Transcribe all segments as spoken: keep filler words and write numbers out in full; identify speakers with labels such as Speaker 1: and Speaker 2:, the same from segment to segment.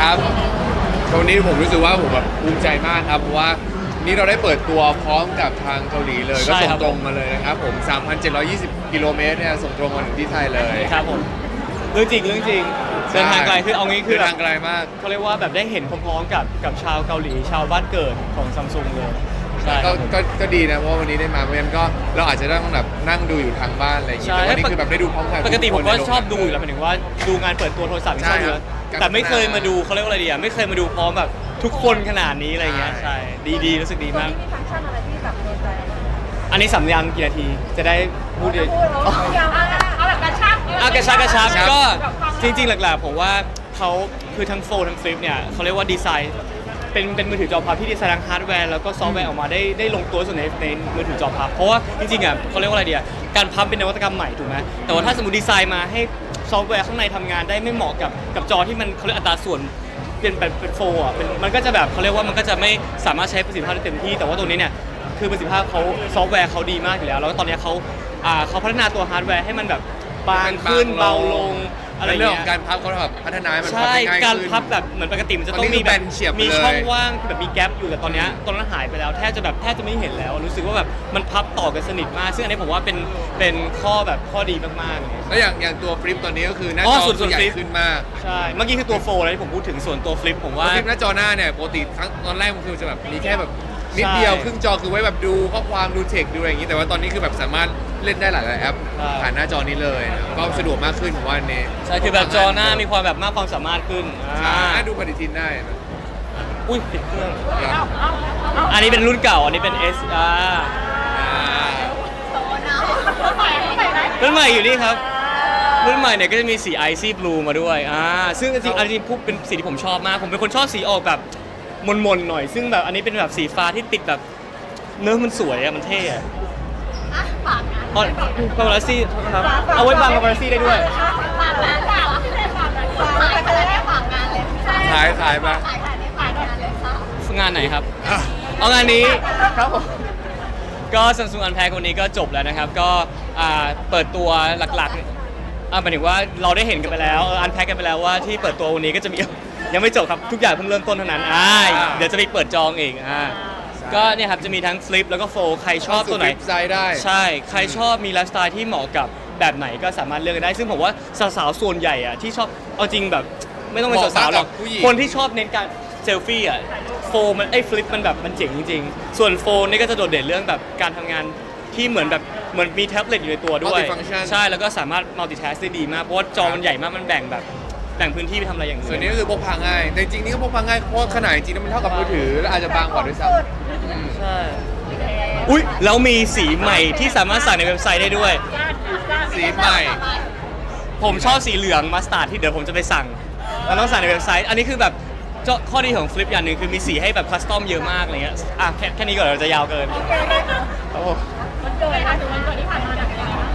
Speaker 1: ครับวันนี้ผมรู้สึกว่าผมแบบภูมิใจมากครับเพราะว่านี่เราได้เปิดตัวพร้อมกับทางเกาหลีเลยก็ส่งตรงมาเลยนะครับผม สามพันเจ็ดร้อยยี่สิบ กิโลเมตรเนี่ยส่งตรงมาถึงที่ไทยเลย
Speaker 2: ครับผมเรื่องจริงเรื่องจริงเดินทางไกลคือเอางี้คือ
Speaker 1: เดินทางไกลมาก
Speaker 2: เขาเรียกว่าแบบได้เห็นพร้อมๆกับกับชาวเกาหลีชาวบ้านเกิดของซัมซุงเลยใช่ค
Speaker 1: ก็
Speaker 2: รับผม
Speaker 1: ก็ก็ดีนะเพราะว่าวันนี้ได้มาไม่งั้นก็เราอาจจะต้องแบบนั่งดูอยู่ทางบ้านอะไรอย่างเงี้ย
Speaker 2: ใช่
Speaker 1: แต่วันนี้คือแบบได้ดูพร้อมกัน
Speaker 2: ปกติผมก็
Speaker 1: ทุคน
Speaker 2: ชอบดูอยู่แล้วหมายถึงว่าดูงานเปิดตัวโทรศัพท์ที่ชอบดู
Speaker 1: ใช่ครับ
Speaker 2: แต่ไม่เคยมาดูเขาเรียกว่าอะไรดีอ่ะไม่เคยมาดูพร้อมแบบทุกคนขนาดนี้อะไรเงี้ย
Speaker 1: ใช่
Speaker 2: ใช่ดีดีรู้สึกดี
Speaker 3: ตัว
Speaker 2: มาก
Speaker 3: นี้มีฟังก์ชันอะไรที่แบบโดนใจ
Speaker 2: อันนี้สัญญาณกี่นาทีจะได้พูด
Speaker 3: จะ
Speaker 2: ดี
Speaker 3: พูดเอายาวเอาแบบกระชับ
Speaker 2: อากระชับกระชับ
Speaker 1: ครับ
Speaker 2: ก็จริงๆหลักๆผมว่าเขาคือทั้งโฟลทั้งฟลิปเนี่ยเขาเรียกว่าดีไซน์เป็นเป็นมือถือจอพับที่ดีไซน์ทั้งฮาร์ดแวร์แล้วก็ซอฟต์แวร์ออกมาได้ได้ลงตัวสุดในในมือถือจอพับเพราะว่าจริงๆอ่ะเขาเรียกว่าอะไรเดียการพับเป็นนวัตกรรมใหม่ถูกไหมแต่ว่าถ้าสมมติดีไซน์มาให้ซอฟต์แวร์ข้างในทำงานได้ไม่เหมาะกับกับจอที่มันเขาเรียกอัตราส่วนเป็นเป็นเป็นโฟล์อ่ะเป็นมันก็จะแบบเขาเรียกว่ามันก็จะไม่สามารถใช้ประสิทธิภาพได้เต็มที่แต่ว่าตัวนี้เนี่ยคือประสิทธิภาพเขาซอฟต์แวร์เขาดีมากอยู่แล้วแล้วก็ตอนนี้เขาอ่าเขาพัฒนาตัวฮาร์ดแวร์ให้มันแบบบางขึ้นเบาลงอะไร
Speaker 1: ในเรื่อง
Speaker 2: เงี้
Speaker 1: ขอย งการพับเขาแบบพัฒนาให้มันพับ
Speaker 2: ใช่
Speaker 1: ได้ง่าย
Speaker 2: การ
Speaker 1: ขึ้น
Speaker 2: พับแบบเหมือนปกติมันจะ
Speaker 1: ต
Speaker 2: ต้
Speaker 1: อ
Speaker 2: อน ง
Speaker 1: นี้
Speaker 2: มีแบบ
Speaker 1: คือแบนเฉียบ
Speaker 2: มี
Speaker 1: เลย
Speaker 2: ช่องว่างแบบมีแกลบอยู่แต่ตอนเนี้ยตอนนั้นหายไปแล้วแทบจะแบบแทบจะไม่เห็นแล้วรู้สึกว่าแบบมันพับต่อกันสนิทมาก ซึ่งอันนี้ผมว่าเป็นเป็นข้อแบบข้อดีมากๆเลย
Speaker 1: แล้วอย่างอย่างตัวฟลิปตอนนี้ก็คือหน้า
Speaker 2: อ๋
Speaker 1: จ
Speaker 2: อ
Speaker 1: อ
Speaker 2: ส่วนส่วน
Speaker 1: ใหญ่
Speaker 2: ฟลิป
Speaker 1: ขึ้นมาก
Speaker 2: ใช่เมื่อกี้คือตัวโฟล์เลยที่ผมพูดถึงส่วนตัวฟลิปผมว่า
Speaker 1: ฟลิปหน้าจอหน้าเนี่ยปกติครั้งตอนแรกมันคือจะแบบมีแค่แบบนิด
Speaker 2: ใช่
Speaker 1: เดียวครึ่งจอคือไว้แบบดูข้อความดูเทคดูอะไรอย่างนี้แต่ว่าตอนนี้คือแบบสามารถเล่นได้หลายๆแอป
Speaker 2: ใช่
Speaker 1: ผ่านหน้าจอนี้เลยนะก็สะดวกมากขึ้นผมว่าอันนี้
Speaker 2: ใช่คือแบบจอหน้ามีความแบบมากความสามารถขึ้น
Speaker 1: ใช่
Speaker 2: อ่า
Speaker 1: ดูปฏิทินได้นะ
Speaker 2: อุ้ยติดเครื่อง
Speaker 1: ครับ
Speaker 2: อันนี้เป็นรุ่นเก่าอันนี้เป็น S อ่า
Speaker 1: อ่า
Speaker 3: ใหม่ใหม่ไหม
Speaker 2: รุ่นใหม่อยู่นี่ครับรุ่นใหม่เนี่ยก็จะมีสี Icy Blue มาด้วยอ่าซึ่งจริงๆอันนี้พูดเป็นสีที่ผมชอบมากผมเป็นคนชอบสีออกแบบมนๆหน่อย ซึ่งแบบอันนี้เป็นแบบสีฟ้าที่ติดแบบเนื้อมันสวยอะมันเท่อะ
Speaker 3: อ่ะฝากงาน
Speaker 2: อ๋อปาปารัสซี่ครับเอาไว้บังปาปารัสซี่ได้ด้วย
Speaker 3: ฝากงานฝากที่ไหนฝากงานฝากไปเลยได้ฝากงานเลย
Speaker 1: ขายขายมา
Speaker 3: ขายขายได้ฝากงานเลยค่ะ
Speaker 2: งานไหนครับ
Speaker 1: อ่ะ
Speaker 2: เอางานนี้ครับผมก็ Samsung Unpacked วันนี้ก็จบแล้วนะครับ ก็อ่าเปิดตัวหลักๆอ่าหมายถึงว่าเราได้เห็นกันไปแล้วอันแพ็กกันไปแล้วว่าที่เปิดตัววันนี้ก็จะมี ยังไม่จบครับทุกอย่างเพิ่งเริ่มต้นเท่านั้นอ่าเดี๋ยวจะมีเปิดจองอีกอ่าก็เนี่ยครับจะมีทั้งฟลิปแล้วก็โฟลใครชอบตัวไหน
Speaker 1: ฟลิปไซด์ได้
Speaker 2: ใช่ใครชอบมีไลฟ์สไตล์ที่เหมาะกับแบบไหนก็สามารถเลือกได้ ซึ่งผมว่าสาวๆส่วนใหญ่อะที่ชอบเอาจริงแบบไม่ต้องเป็นสาวๆหรอก
Speaker 1: เหมาะมากกับผู้หญิง
Speaker 2: คนที่ชอบเน้นการเซลฟี่อะโฟมมันไอ้ฟลิปมันแบบมันเจ๋งจริงๆ ส่วนโฟมนี่ก็จะโดดเด่นเรื่องแบบการทำงานที่เหมือนแบบเหมือนมีแท็บเล็ตอยู่ในตัวด้วย
Speaker 1: Multifunction
Speaker 2: ใช่แล้วก็สามารถมัลติ task ได้ดีมาก เพราะว่าจอมันใหญ่มากมันแบ่งแบบแบ่งพื้นที่ไปทำอะไรอย่างอื่น
Speaker 1: ส่วนนี้ก็คือพกพาง่ายแต่จริงๆนี่ก็พกพาง่ายเพราะว่าขนาดจริงๆแล้วมันเท่ากับมือถือแล้วอาจจะบางกว่าด้วยซ้ำอืม
Speaker 2: ใช่อุ้ยแล้วมีสีใหม่ที่สามารถสั่งในเว็บไซต์ได้ด้วย
Speaker 1: สีใหม่
Speaker 2: ผมชอบสีเหลืองมัสตาร์ดที่เดี๋ยวผมจะไปสั่งแล้วต้องสั่งในเว็บไซต์ อันนี้คือแบบเจ้าข้อดีของฟลิปอย่างหนึ่งคือมีสีให้แบบคัสตอมเยอะมากอะไรเงี้ยอ่ะแค่แค่นี้ก่อนเราจะยาวเกินโอ้โห
Speaker 3: วันเกิดนะถึงวันเกิดที่ผ่านมาเนี่ยเป็นยังไงบ้าง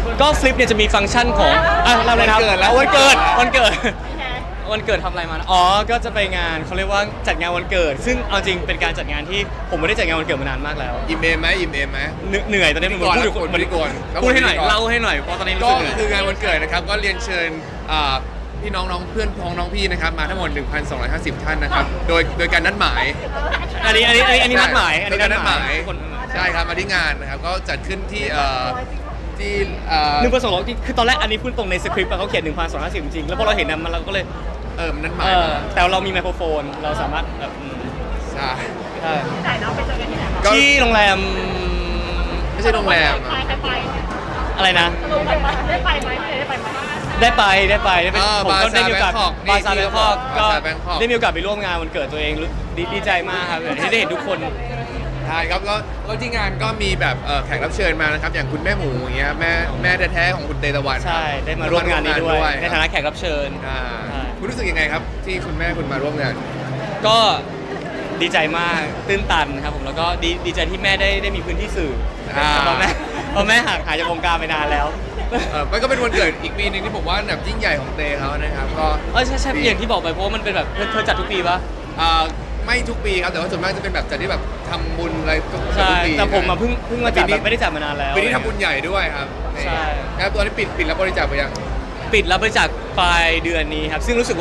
Speaker 2: ก็ฟลิปเนี่ยจะมีฟังก์ชันของอ่ะเราเลยนะครับ
Speaker 1: วันเกิดแล้ว
Speaker 2: วันเกิดวันเกิด
Speaker 3: พี่แท้
Speaker 2: วันเกิดทำอะไรมานะอ๋อ ก็จะไปงานเขาเรียกว่าจัดงานวันเกิด ซึ่งเอาจริงเป็นการจัดงานที่ผมไม่ได้จัดงานวันเกิดมานานมากแล้ว
Speaker 1: อิ่มเอมไหมอิ่มเอมไหม
Speaker 2: เหนื่อยเหนื่อยตอนนี้มัน
Speaker 1: พิธีกร
Speaker 2: พูดอยู่
Speaker 1: แล้ว
Speaker 2: มัน
Speaker 1: พิธีกรแล้ว
Speaker 2: พูดให้หน่อย
Speaker 1: พิธีกร
Speaker 2: เล่าให้หน่อยเพราะตอนนี้รู้
Speaker 1: ก็
Speaker 2: สึกเหนื่อย
Speaker 1: คืองานวันเกิดนะครับก็เรียนเชิญอ่าพี่น้องๆเพื่อนพ้องน้องพี่นะครับมาทั้งหมด หนึ่งพันสองร้อยห้าสิบ ท่านนะครับโดยโดยการนัดหมาย
Speaker 2: อันนี้อันนี้อันนี้อันนี้นัดหมายอัน
Speaker 1: โด
Speaker 2: นี้
Speaker 1: ยการนัดหมาย
Speaker 2: ทุกคน
Speaker 1: ใช่ครับมาที่งานนะครับก็จัดขึ้นที่เอ่อที่เอ่อ
Speaker 2: หนึ่งพันสองร้อยคือตอนแรกอันนี้พูดตรงในสคริปต์อะเขาเขียนหนึ่งพันสองร้อยห้าสิบจริงๆแล้วพอเราเห็นนะมันเราก็เลย
Speaker 1: เออมันนัดหมา
Speaker 2: เอย อ
Speaker 1: มา
Speaker 2: แต่เรามีไมโครโฟนเราสามารถแบบอืม
Speaker 1: ใช่
Speaker 2: ใช่
Speaker 3: ที่ไหนเนาะไปเจอกันที่ไหนคะ
Speaker 1: ก็
Speaker 2: ที่โรงแรม
Speaker 1: ไม่ใช่โรงแรม
Speaker 3: ใคร
Speaker 1: อะ
Speaker 3: ใครไป
Speaker 2: อะไรนะ
Speaker 3: ลงไปไหมได้ไปไหมได้ไปไหม
Speaker 2: ได้ไปได้ไปได้ไป
Speaker 1: อ่า
Speaker 2: ผมก็
Speaker 1: Bazaar
Speaker 2: ได้มีโอกาส
Speaker 1: Bangkok
Speaker 2: บาซา
Speaker 1: นี่
Speaker 2: แบ
Speaker 1: ที่
Speaker 2: งคอกก็
Speaker 1: Bazaar Bangkok
Speaker 2: ได้มีโอกาสไปร่วมงานวันเกิดตัวเองรู้ดีดีใจมากครับที่ได้เห็นทุกคน
Speaker 1: ใช่ครับแล้วแล้วที่งานก็มีแบบเอ่อแขกรับเชิญมานะครับอย่างคุณแม่หมูอย่างเงี้ยแม่แม่แท้ๆของคุณเตตะวันครับ
Speaker 2: ใช่ได้มาร่วมงานนี้ด้วยในฐานะแขกรับเชิญ
Speaker 1: อ่า
Speaker 2: ใช่
Speaker 1: คุณรู้สึกยังไงครับ ที่คุณแม่คุณมาร่วมงาน
Speaker 2: ก็ดีใจมากตื้นตันครับผมแล้วก็ดีดีใจที่แม่ได้ได้มีพื้นที่สื่อ
Speaker 1: อ่า
Speaker 2: เพราะแม่เพราะแม่ห่างหายจากวงการไปนานแล้ว
Speaker 1: เออมันก็เป็นวันเกิดอีกปีหนึ่งที่ผมว่าแบบยิ่งใหญ่ของเตเขานะครับก็
Speaker 2: เออใช่ใช่อย่างที่บอกไปเพราะว่ามันเป็นแบบเธอเธอจัดทุกปีปะ
Speaker 1: อ่าไม่ทุกปีครับแต่ว่าส่วนมากจะเป็นแบบจัดที่แบบทำบุญอะไรทุก
Speaker 2: ใช่
Speaker 1: ปี
Speaker 2: แต่ผมมาเพิ่งเพิ่งมาจัด
Speaker 1: ปีนี้
Speaker 2: แบบไม่ได้จัดมานานแล้ว
Speaker 1: ปีนี้ทำบุญใหญ่ด้วยครับ
Speaker 2: ใช่
Speaker 1: แล้วตัวนี้ปิดปิดแล้วบริจาคไปยัง
Speaker 2: ปิดรับบริจาคปลายเดือนนี้ครับซึ่งรู้สึกว่า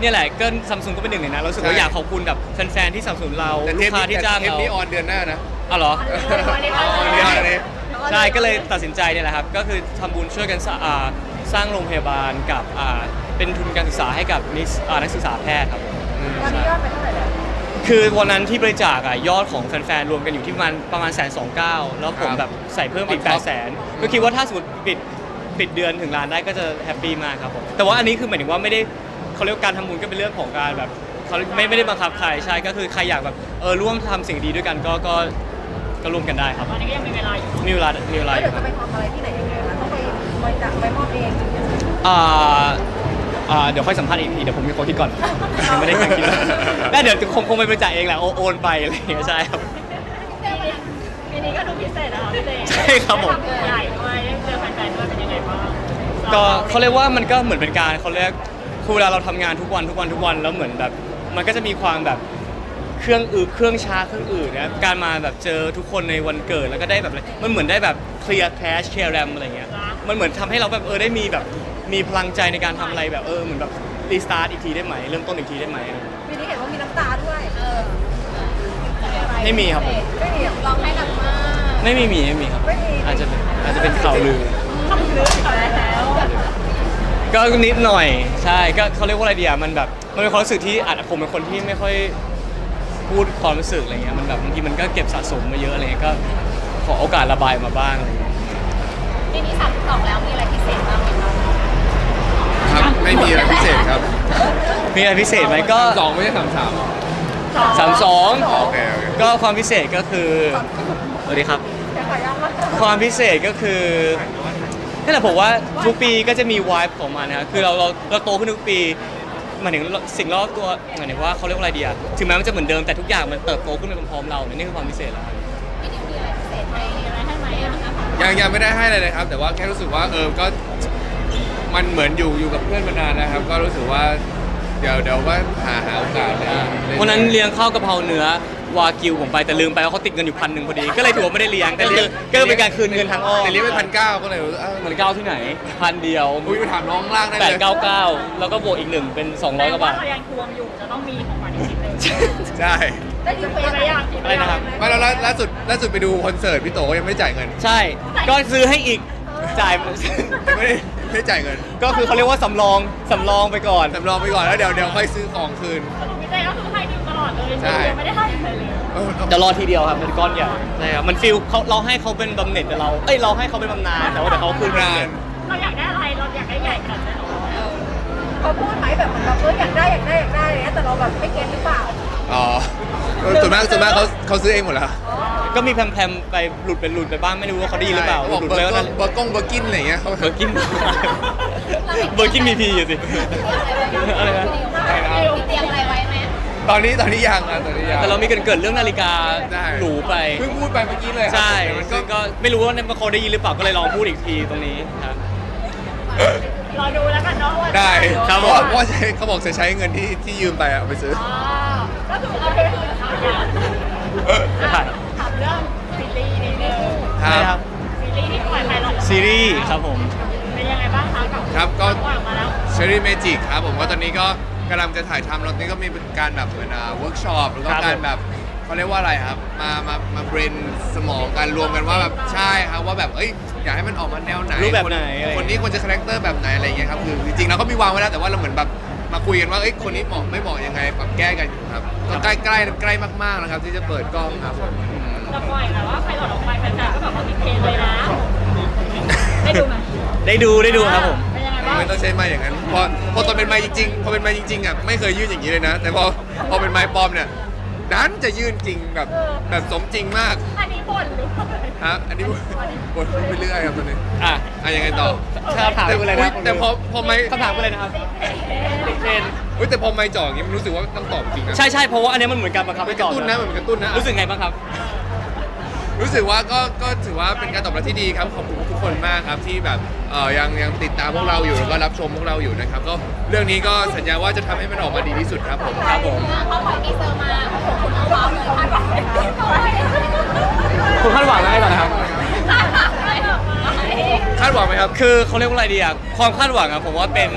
Speaker 2: เนี่ยแหละก็ซัมซุงก็เป็นหนึ่งในนั้นเรารู้สึกว่า
Speaker 1: ใช่
Speaker 2: อยากขอบคุณแบบแฟนๆที่สนับสนุนเรา
Speaker 1: แต่
Speaker 2: ลู
Speaker 1: เท
Speaker 2: ก
Speaker 1: ป
Speaker 2: ค้า
Speaker 1: นี้
Speaker 2: ที่จ้าง
Speaker 1: เทป
Speaker 2: เรา
Speaker 1: นี้ออนเดือนหน้านะ
Speaker 2: อ๋อเหรอ
Speaker 3: วันนี้
Speaker 1: ออนเดือนหน้านี้
Speaker 2: ใช่ก็เลยตัดสินใจเนี่ยแหละครับก็คือทำบุญช่วยกันสร้างอ่าสร้างโรงพยาบาลกับอ่าเป็นทุนการศึกษาให้กับนิสอ่านักศึกษาแพทย์ครับ
Speaker 3: ตอนนี้ยอดไปเท่าไหร่แล้ว
Speaker 2: คือวันนั้นที่บริจาคอะยอดของแฟนๆรวมกันอยู่ที่ประมาณประมาณแสนสองเก้าแล้วผม
Speaker 1: ครับ
Speaker 2: แบบใส่เพิ่มอีก
Speaker 1: ค
Speaker 2: แป
Speaker 1: รั
Speaker 2: ด
Speaker 1: บ
Speaker 2: แสนก็คิดว่าถ้าสมมติปิดปิดเดือนถึงล้านได้ก็จะแฮปปี้มากครับผมแต่ว่าอันนี้คือหมายถึงว่าไม่ได้เขาเรียกว่าการทำบุญก็เป็นเรื่องของการแบบเขาไม่ไม่ได้บังคับใครใช่ก็คือใครอยากแบบเออร่วมทำสิ่งดีด้วยกันก็ก็ก็ร่วมกันได้ครับ
Speaker 3: ตอนนี้ก็ยังมีเวลาอยู่
Speaker 2: มีเวลามีเวลา
Speaker 3: แล้ว
Speaker 2: อ
Speaker 3: เดี๋ยว
Speaker 2: ยู่ค
Speaker 3: จะ
Speaker 2: รับ
Speaker 3: ไปทำอะไรที่ไหนยังไงคะต้องไปบริจาคไปมอบเอง
Speaker 2: อ่าอ่าเดี๋ยวค่อยสัมภาษณ์อีกทีเดี๋ยวผมมีคนคิดก่อนยังไม่ได้คิดแล้วเดี๋ยวคงคงไปบริจาคเองแหละโอโอนไปอะไรอย่างเงี้ยใช่ครับ
Speaker 3: ปีนี้ก็ดูพิเศษนะคะพี่เต้
Speaker 2: ใช่ครับผม
Speaker 3: ใหญ่ด้วยได้เจอแฟนๆด้วยเป็นยังไงบ้าง
Speaker 2: ก็เขาเรียกว่ามันก็เหมือนเป็นการเขาเรียกคือเวลาเราทำงานทุกวันทุกวันทุกวันแล้วเหมือนแบบ มันก็จะมีความแบบเครื่องอืดเครื่องชาเครื่องอื่นนะการมาแบบเจอทุกคนในวันเกิดแล้วก็ได้แบบอะไรมันเหมือนได้แบบเคลียร์แคชเคลียร์แรมอะไรเงี้ยมันเหมือนทำให้เราแบบเออได้มีแบบมีพลังใจในการทำอะไรแบบเออเหมือนแบบรีสตาร์ทอีกทีได้ไหมเริ่มต้นอีกทีได้ไหม
Speaker 3: ปีนี้เห็นว่ามีน้ำตาด้วยเออ
Speaker 2: ไม่มีครับผม
Speaker 3: ไม่มีร้องไห้หนักมาก
Speaker 2: ไม่มีมีไม่มีครับ
Speaker 3: ไม่มี
Speaker 2: อาจจะเป็นอาจจะเป็นข่าวลือ
Speaker 3: ทำลึกแล้ว
Speaker 2: ก็นิดหน่อยใช่ก็เขาเรียกว่าอะไรดีอ่ะมันแบบมันเป็นความรู้สึกที่อาจผมเป็นคนที่ไม่ค่อยพูดความรู้สึกอะไรเงี้ยมันแบบบางทีมันก็เก็บสะสมมาเยอะอะไรเงี้ยก็ขอโอกาสระบายมาบ้างอะไรเงี้ย
Speaker 3: ปีนี้สามสิบสองแล้วมีอะไรพิเศษบ้างไหมคะ
Speaker 1: ครับไม่มีอะไรพิเศษครับ
Speaker 2: มีอะไรพิเศษไหมก็
Speaker 1: สองไม่ใช่สามสาม
Speaker 2: สามสอง
Speaker 1: โอเคโอเค
Speaker 2: ก็ความพิเศษก็คือสวัสดีครับ
Speaker 3: จะขอย้ำว่า
Speaker 2: ความพิเศษก็คือนั่นแหละผมว่าทุกปีก็จะมีวายของมันนะครับคือเราเราเราโตขึ้นทุกปีหมายถึงสิ่งรอบตัวหมายถึงว่าเขาเรียกว่าอะไรดีอะถึงแม้มันจะเหมือนเดิมแต่ทุกอย่างมันเติบโตขึ้นไปพร้อมๆเราเนี่ยนี่คือความพิเศษแล้วครับ
Speaker 3: ปีนี้มีอะไรพิเศษให้อะไรให้ไหมอะคะ
Speaker 1: ยังยังไม่ได้ให้อะไรเลยครับ แต่ว่าแค่รู้สึกว่าเออก็มันเหมือนอยู่อยู่กับเพื่อนมานานนะครับ ก็รู้สึกว่าเดี๋ยวเดี๋ยวว่าหาหาโอกาสเลย
Speaker 2: วันนั้นเลี้ยงข้าวกะเพราเนื้อวากิวผมไปแต่ลืมไปว่าเขาติดเงินอยู่พันหนึ่งพอดีก็เลยถือว่าไม่ได้เลี้ยงก็เลยก็เลยเป็นการคืนเงินทางอ้อม
Speaker 1: แต่เลี้ยงไปพันเก้าก็เลยรู้สึกเออ
Speaker 2: มันเก้าที่ไหนพันเดียว
Speaker 1: อุ้ยไปถามน้องข้างล่างได้
Speaker 2: แป
Speaker 1: เล
Speaker 2: ด
Speaker 1: ย
Speaker 2: เก้าเก้าแล้วก็บวกอีกหนึ่งเป็นสองร้อยกว่าบาท
Speaker 3: เรายังทวงอยู่จะต้องมีของขวัญอีกชิ้นหนึ่ง
Speaker 1: ใช่
Speaker 3: ได้ยินไปไหมยัง
Speaker 2: อะไรนะครับ
Speaker 1: ไม่แล้วล่าล่าสุดล่าสุดไปดูคอนเสิร์ตพี่โตก็ยังไม่ได้จ่ายเงิน
Speaker 2: ใช่ ก็ซื้อให้อีกจ่าย
Speaker 1: ยังไม่ได้ไม่ได้จ่ายเงิน
Speaker 2: ก็คือเขาเรียกว่าสำรองสำรองไปก่อน
Speaker 1: สำรองไปก่อนแล้วเดี๋ยวเดี๋ยวค่อยซื้อของคืน
Speaker 3: สรุปพี่เต้ก็คือให้ดิวตลอดเลย
Speaker 1: ใช่
Speaker 3: ยังไม่ได้ให้เลยเลย
Speaker 1: เออ
Speaker 2: จะรอทีเดียวครับเป็นก้อนใหญ่ใช่ครับมันฟิลเขาเราให้เขาเป็นบำเหน็จแต่เราเอ้ยเราให้เขาเป็นบำนาญแต่ว่าเดี๋ยวเขาคืน
Speaker 1: งาน
Speaker 3: เราอยากได้อะไรเราอยากได้ใหญ่ขนาดไหนเขาพูดไหมแบบเหมือนแบบเอออยากได้อยากได้อยากได้อะไรเงี้ยแต่เราแบบไม่เก็ตหรือเปล่า
Speaker 1: อ๋อเออส่วนมากส่วนมากเขาเขาซื้อเองหมดแล้ว
Speaker 2: ก็มีแพมๆไปหลุดไปหลุดไปบ้างไม่รู้ว่าเขาได้ยินหรือเปล่า
Speaker 1: ใช่
Speaker 2: ห
Speaker 1: บอก
Speaker 2: ลุด
Speaker 1: เบ
Speaker 2: ไป
Speaker 1: อร์
Speaker 2: ก็
Speaker 1: ก
Speaker 2: นั่
Speaker 1: ง
Speaker 2: น
Speaker 1: เบอร์กงเบอร์กินอะไรอย่างเงี้ยเขา
Speaker 2: เบอร์กินเบอร์กินมีพีอยู่สิอะไรนะ
Speaker 3: เตรียมอะไรไว้ไหม
Speaker 1: ตอนนี้ตอนนี้ยังอ่ะตอนนี้ยัง
Speaker 2: แต่เรามีเกรินเกิดเรื่องนาฬิกา
Speaker 1: ได้
Speaker 2: หรูไป
Speaker 1: เพิ่งพูดไปเมื่อกี้เลยครับ
Speaker 2: ใช่
Speaker 1: แต่มันก็
Speaker 2: ซึ่งก็ไม่รู้ว่าเขาได้ยินหรือเปล่าก็เลยลองพูดอีกทีตรงนี้ครับ
Speaker 3: รอดูแล้วกันเนาะว่า
Speaker 1: ได้
Speaker 2: ครับ
Speaker 1: เพราะว่าเพราะว่าใช้เขาบอกจะใช้เงินที่ที่ยืมไปอะเอาไปซื้อ
Speaker 3: อ๋อก็คือเอาไปคือถามอย่าง
Speaker 2: จะถ่าย
Speaker 3: ถามเรื่องซีรีส์นิดนึง
Speaker 1: ค
Speaker 2: ใช่ค
Speaker 1: รั
Speaker 2: รั
Speaker 1: บบ
Speaker 3: ซีรีส์ที่ปล่อยไปแล้ว
Speaker 2: ซีรีส์ครับผม
Speaker 3: เป็นยังไงบ้างคะกับ
Speaker 1: ครับก็
Speaker 3: ปล่อยออกมาแล้ว
Speaker 1: เชอรี่เมจิกครับผมก็ตอนนี้ก็กำลังจะถ่ายทำแล้วตอนนี้ก็มีการแบบเหมือนเวิร์กช็อปแล้วก็
Speaker 2: ครับ
Speaker 1: การแบบเขาเรียกว่าอะไรครับ มามามาเบรนสมองกันรวมกันว่าแบบใช่ครับว่าแบบเอ้ยอยากให้มันออกมาแนวไหน
Speaker 2: รูปแบบไหนอะไร
Speaker 1: คนนี้ควรจะคาแรคเตอร์แบบไหนอะไรอย่างเงี้ยครับคือจริงๆเราก็มีวางไว้แล้วแต่ว่าเราเหมือนแบบมาคุยกันว่าเอ้ยคนนี้เหมาะไม่เหมาะยังไงปรับแก้กันอยู่ครับก็ใกล้ใกล้ใกล้มากๆนะครับที่จะเปิดกล้องครับผมอืม
Speaker 3: จะปล่อยแต่ว่าใครหลอดออกไปแฟนๆก็แบบว่าติดเทรนด์เลยนะได้ดูไหม
Speaker 2: ได้ดูได้ดูครับผม
Speaker 3: เป็นยังไงบ้าง
Speaker 1: ไม่ต้องใช้ไม้อย่างนั้นพอพอตอนเป็นไม้จริงๆพอเป็นไม้จริงๆอ่ะไม่เคยยื่นอย่างนี้เลยนะ แต่พอพอเป็นไม้ปลอมเนี่ยดันจะยื่นจริงแบบแบบสมจริงมาก
Speaker 3: อันนี้บ่นหรือเปล่า
Speaker 1: ครับอันนี้บทพูดไปเรื่อยครับตอนนี้
Speaker 2: อ่ะ
Speaker 1: อ่ะยังไงต่อ
Speaker 2: ถ้าถาม
Speaker 1: แต่
Speaker 2: กูเลย
Speaker 1: อุ๊
Speaker 2: นะ
Speaker 1: ยแต่พอพอไม้
Speaker 2: คำถามกูเลยนะครับติดเทรนด์
Speaker 1: อุ้ยแต่พอไม้จ่ออย่างนี้มันรู้สึกว่าต้องตอบจริงนะ
Speaker 2: ใช่ใช่เพราะว่าอันนี้มันเหมือนการบังคับ
Speaker 1: มั
Speaker 2: ให้
Speaker 1: นก
Speaker 2: ตอ
Speaker 1: ระ
Speaker 2: บ
Speaker 1: ตุ้นนะมันกระตุ้นนะ
Speaker 2: รู้สึกไงบ้างครับ
Speaker 1: รู้สึกว่าก็ก็ถือว่าเป็นการตอบรับที่ดีครับขอบคุณทุกคนมากครับที่แบบเอ่อยังยังติดตามพวกเราอยู่แล้วก็รับชมพวกเราอยู่นะครับก็เรื่องนี้ก็สัญญาว่าจะทำให้มันออกมาดีที่สุดครับผม
Speaker 2: ครับผม
Speaker 3: เขาปล่อยทีเซอร์มาโอ้โหคุณเอาว้าวเลยคาดหวังไหมคะ
Speaker 2: คุณคาดหวังอะไรก่อนนะครับ
Speaker 3: คาดหวังไหม
Speaker 1: คาดหวังไหมครับ
Speaker 2: คือเขาเรียกว่าอะไรดีอะความคาดหวังอะผมว่าเป็น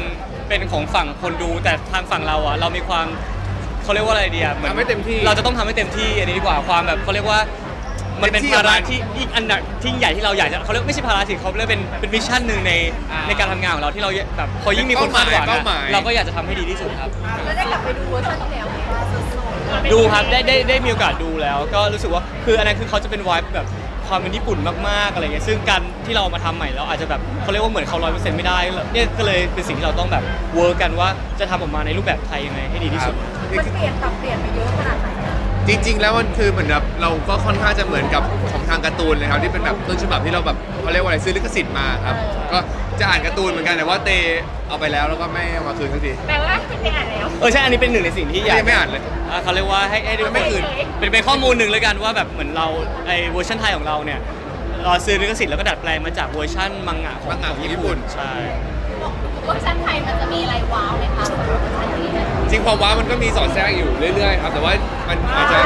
Speaker 2: เป็นของฝั่งคนดูแต่ทางฝั่งเราอ่ะเรามีความเขาเรียกว่าอะไรดีอ่ะหอน
Speaker 1: ทำให้เต็มที่
Speaker 2: เราจะต้องทำให้เต็มที่อันนี้ดีกว่าความแบบเขาเรียกว่ามันเป็น
Speaker 1: เต็มที่
Speaker 2: ภาระ
Speaker 1: กับมัน
Speaker 2: ที่อีกอันดับที่ใหญ่ที่เราอยากจะเขาเรียกไม่ใช่ภาระสิเขาเรียกเป็นเป็นวิชั่นหนึ่งใน
Speaker 1: อ่า
Speaker 2: ในการทำงานของเราที่เราแบบพอยิ่งมีคนคาดหวัง
Speaker 1: เป้า
Speaker 2: อะ
Speaker 1: หมาย
Speaker 2: เราก็อยากจะทำให้ดีที่สุดครับ
Speaker 3: แล้วได้กลับไปดูเวอร์ชันที่แล้วไหม
Speaker 2: ดูครับได้ได้ได้มีโอกาสดูแล้ว ก็รู้สึกว่าคืออันนั้นคือเขาจะเป็นวายแบบความเป็นญี่ปุ่นมากๆอะไรเงี้ยซึ่งการที่เรามาทำใหม่เราอาจจะแบบเขาเรียกว่าเหมือนเขาร้อยเปอร์เซ็นต์ไม่ได้เนี่ยก็เลยเป็นสิ่งที่เราต้องแบบเวิร์กกันว่าจะทำออกมาในรูปแบบไทยยังไงให้ดีที่สุด
Speaker 3: มันเปลี่ยนปรับเปลี่ยนไปเยอะขนาดไหนอะ
Speaker 1: จริง ๆ แล้วมันคือเหมือนแบบเราก็ค่อนข้างจะเหมือนกับของทางการ์ตูนเลยครับที่เป็นแบบต้นฉบับที่เราแบบเขาเรียกว่าอะไรซื้อลิขสิทธิ์มาครับก็จะอ่านการ์ตูนเหมือนกันแต่ว่าเตเอาไปแล้วแล้วก็ไม่เอามาคืนสักที
Speaker 3: แปลว่าคุณไปอ่านแล้ว
Speaker 2: เออใช่อันนี้เป็นหนึ่งในสิ่งที่อยาก
Speaker 1: ยังไม่อ่านเลย
Speaker 2: อ่าเขาเรียกว่าให้ให้ดู
Speaker 1: ไม่คืน
Speaker 2: เป็นเป็นข้อมูลหนึ่งเลยกันว่าแบบเหมือนเราไอเวอร์ชันไทยของเราเนี่ยเราซื้อลิขสิทธิ์แล้วก็ดัดแปลงมาจากเวอร์ชันมังงะของ
Speaker 1: มังงะของญี่
Speaker 2: ญี่
Speaker 1: ปุ่
Speaker 2: ปุ่น
Speaker 1: น
Speaker 2: ใช่
Speaker 3: เวอร์ชันไทยมันจะมีอะไรว้าวไหมคะสำหรับเวอร์ชันนี้เนี่ย
Speaker 1: จริงความว้ามันก็มีสอดแทรกอยู่เรื่อยๆครับแต่ว่ามันอาจจะ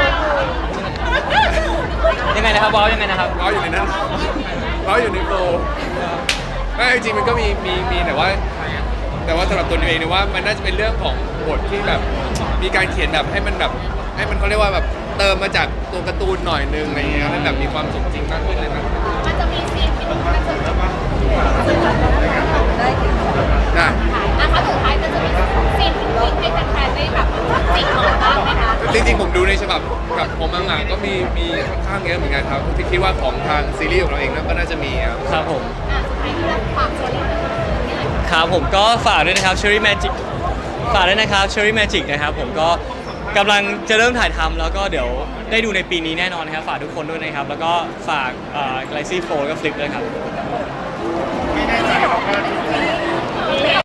Speaker 2: ยังไงนะครับบอลยังไงนะครับ
Speaker 1: ว้าอยู่ในนั้นว้าอยู่ในโฟล์ไม่จริงๆมันก็มีมีมีแต่ว่า แต่ว่าสำหรับตัวนิวเองเนี่ยว่ามันน่าจะเป็นเรื่องของบทที่แบบมีการเขียนแบบให้มันแบบให้มันเขาเรียกว่าแบบเติมมาจากตัวการ์ตูนหน่อยนึงอะไรเงี้ยให้แบบมีความสมจริงมากขึ้นเลยนะ
Speaker 3: มันจะมีซีนที่มันจะได้ถึง
Speaker 1: ได้
Speaker 3: ถ่ายนะคะสุดท้ายมันจะมีซีนจริงๆให้แฟนๆได้แบบจิกหมอนบ้างไหมคะ
Speaker 1: จริงๆผมดูในฉบับกับของมังงะก็มีมีค่อนข้างเยอะเหมือนกันครับที่คิดว่าของทางซีรีส์ของเราเองก็น่าจะมีครับ
Speaker 2: ครับผม
Speaker 3: อ่ะสุดท้ายที่เราฝากโชว์นิดนึงนี่แหละ
Speaker 2: ครับผมก็ฝากด้วยนะครับ Cherry Magic ฝากด้วยนะครับ Cherry Magic นะครับผมก็กำลังจะเริ่มถ่ายทำแล้วก็เดี๋ยวได้ดูในปีนี้แน่นอนนะครับฝากทุกคนด้วยนะครับแล้วก็ฝากเอ่อ Galaxy Fold แล้วก็ Flip ด้วยครับ
Speaker 3: ไม่แน่ใจว่า